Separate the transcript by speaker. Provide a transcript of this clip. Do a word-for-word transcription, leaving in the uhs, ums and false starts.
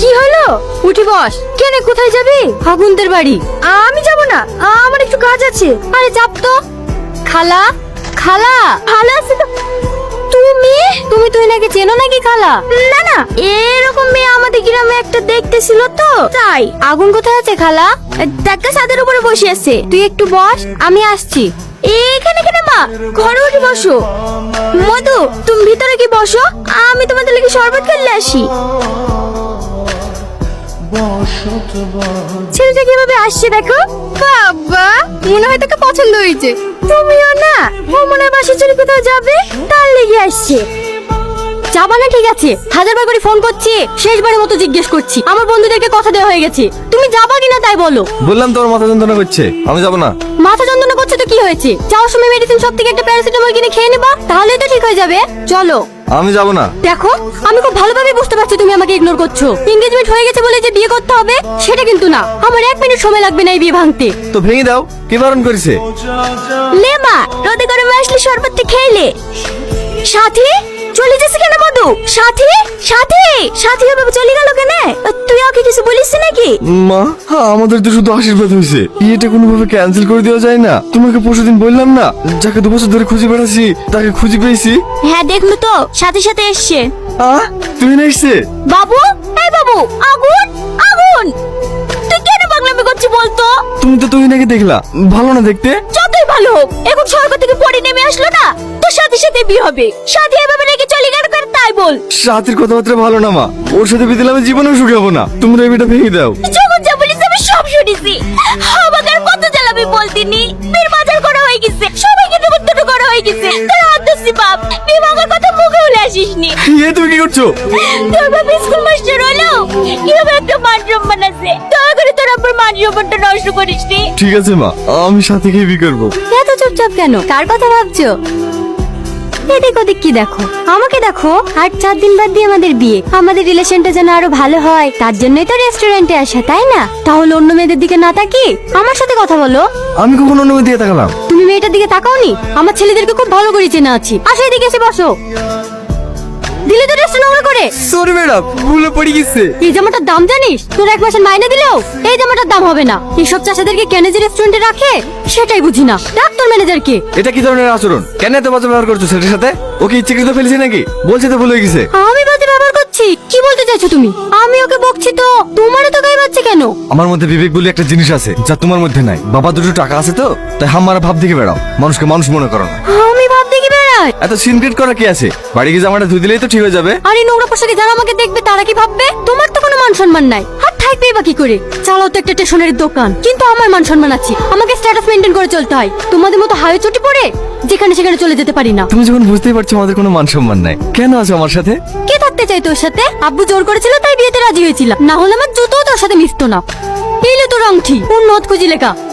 Speaker 1: কি হলো? উঠি বস। কেন, কোথায় যাবি? আগুনদের বাড়ি। আমি যাব না, আমার একটু কাজ আছে। আরে চাপ তো। খালা, খালা ভালো আছে তো? তুমি তুমি তুই নাকি চেনো নাকি খালা? না না, এরকম মেয়ে আমাদের গ্রামে একটা দেখতেছিল তো তাই। আগুন কোথায় আছে খালা? দেখা ছাদের উপরে বসে আছে। তুই একটু বস, আমি আসছি। এখানে কেন মা, ঘরে উঠে বসো। মধু, তুমি ভিতরে কি বসো, আমি তোমাদের লাগি শরবত খেলে আসি। ছেলেটা কিভাবে আসছে দেখো। বাবা, মনে হয় তোকে পছন্দ হয়েছে। তুমিও না, ও মনে হয় বাসা ছেড়ে কোথাও যাবে, তার লেগে আসছে। যাবা না, ঠিক আছে, হাজারবার করে ফোন করছি, শেষবারের মতো জিজ্ঞেস করছি। আমার বন্ধুদেরকে কথা দেওয়া হয়ে গেছে, তুমি যাবা কিনা তাই বলো।
Speaker 2: বললাম তোর মাথা যন্ত্রণা করছে, আমি যাব না।
Speaker 1: মাথা যন্ত্রণা করছে তো কি হয়েছে? যাওয়ার সময় মেডিসিন সব থেকে একটা প্যারাসিটামল কিনে খেয়ে নেবা, তাহলেই তো ঠিক হয়ে যাবে। চলো।
Speaker 2: আমি যাব না।
Speaker 1: দেখো, আমি খুব ভালোভাবে বুঝতে পারছি তুমি আমাকে ইগনোর করছো। এনগেজমেন্ট হয়ে গেছে বলে যে বিয়ে করতে হবে সেটা কিন্তু না। আমার এক মিনিট সময় লাগবে না এই বিয়ে ভাঙতে।
Speaker 2: তো ভেঙে দাও, কি বারণ করেছে?
Speaker 1: লেমা, রোদে গরমে আসলে শরবতটা খেলে। সাথী চলে যাচ্ছে কেন? মধু, সাথী সাথী সাথী বাবা চলে গেল কেন? তুই ওকে কিছু বলিস নাকি?
Speaker 2: মা, আমাদের তো শুধু আশীর্বাদ হয়েছে, এটা কোনোভাবে ক্যান্সেল করে দেওয়া যায় না? তোমাকে পরশুদিন বললাম না, যাকে দু বছর ধরে খুঁজে বেড়াচ্ছি তাকে খুঁজে পেয়েছি।
Speaker 1: হ্যাঁ দেখলো তো, সাথে সাথে এসছে।
Speaker 2: আহ, তুমি না এসছে?
Speaker 1: বাবু, এই বাবু, আগুন আগুন, তুই কেন পাগলামি করছিস বলতো?
Speaker 2: তুমি তো তুই নাকি দেখলা, ভালো না দেখতে?
Speaker 1: যতই ভালো হোক, এখন সরকার থেকে পড়ে নেমে আসলো না, তোর সাথে সাথে বিয়ে হবে। সাথে এভাবে রেখে চলে গেল কেন তাই বল।
Speaker 2: সাথীর কথাবার্তা ভালো না মা, ওর সাথে বিয়ে দিলে আমি জীবনেও সুখী হবো না। তোমরা এই বিয়েটা ভেঙে দাও।
Speaker 1: যখন যা বলিস আমি সব শুনেছি। আমাকে আর কত জ্বালাবি বলতিনি। মেয়ের বাজার করা হয়ে গেছে, সবাইকে নেমন্তন্ন করা হয়ে গেছে। তোর আদর্শি বাপ, বিভাগের কথা মুখে বলে আসিসনি।
Speaker 2: এ তুমি কি করছো?
Speaker 1: তোর বাপ স্কুল মাস্টার হলো, কিভাবে একটা মান সম্মান আছে। দয়া করে তোর আব্বার মান সম্মানটা নষ্ট করিসনি।
Speaker 2: ঠিক আছে মা, আমি সাথীকে বিয়ে করবো।
Speaker 1: এত চুপচাপ কেন? কার কথা ভাবছো? এদিক ওদিক কি দেখো, আমাকে দেখো। আর চার দিন বাদ দিয়ে আমাদের বিয়ে, আমাদের রিলেশনটা যেন আরো ভালো হয়, তার জন্যই তো রেস্টুরেন্টে আসা, তাই না? তাহলে অন্য মেয়েদের দিকে না তাকি আমার সাথে কথা বলো।
Speaker 2: আমি কখন অন্য মেয়ে দিয়ে তাকালাম?
Speaker 1: তুমি মেয়েটার দিকে তাকাওনি? আমার ছেলেদেরকে খুব ভালো করে চেনা আছি। আসো এদিকে এসে বসো। দিলে তো রেস্ট নোংরা করে।
Speaker 2: সরি ম্যাডাম, ভুলে পড়ে গেছে।
Speaker 1: এই জামাটার দাম জানিস? তোর এক মাসের মাইনে দিলেও এই জামাটার দাম হবে না। এইসব চাষাদেরকে কেন যে রেস্টুরেন্টে রাখে সেটাই বুঝি না। ডাক তোর ম্যানেজারকে।
Speaker 2: এটা কি ধরনের আচরণ? কেন এত বাজে ব্যবহার করছো ছেলের সাথে? ওকে ইচ্ছাকৃত ফেলেছে নাকি? বলছে তো ভুলে গেছে।
Speaker 1: আমি বাজে ব্যবহার করছি? কি বলতে চাইছো তুমি? আমি ওকে বকছি তো, তোমারও তো গায়ে বাজছে কেন?
Speaker 2: আমার মধ্যে বিবেক বলে একটা জিনিস আছে যা তোমার মধ্যে নাই। বাবা দুটো টাকা আছে তো, তাই হামারা ভাব দেখে বেড়াও, মানুষকে মানুষ মনে করো না।
Speaker 1: আমি ভাব দেখি বেড়াই?
Speaker 2: এত সিনক্রেট করা কি আছে? বাড়ি গিয়ে জামাটা ধুই দিলেই তো ঠিক হয়ে যাবে।
Speaker 1: আরে নোংরা পোশাকে যারা আমাকে দেখবে তারা কি ভাববে? তোমার তো কোনো মান সম্মান নাই, আর থাকবে বা কি করে? চালাও তো একটা স্টেশনারি দোকান, কিন্তু আমার মান সম্মান আছে। আমাকে স্ট্যাটাস মেনটেন করে চলতে হয়। তোমাদের মতো হাই চটি পড়ে যেখানে সেখানে চলে যেতে পারি না।
Speaker 2: তুমি যখন বুঝতেই পারছো আমাদের কোনো মান সম্মান নাই, কেন আছো আমার সাথে?
Speaker 1: কে থাকতে চাই তোর সাথে? আব্বু জোর করেছিল তাই বিয়েতে রাজি হয়েছিলাম, না হলে আমার জুতোও তোর সাথে মিশতো না। এইলে তোর আংটি, ওর নথ খুঁজি লেখা।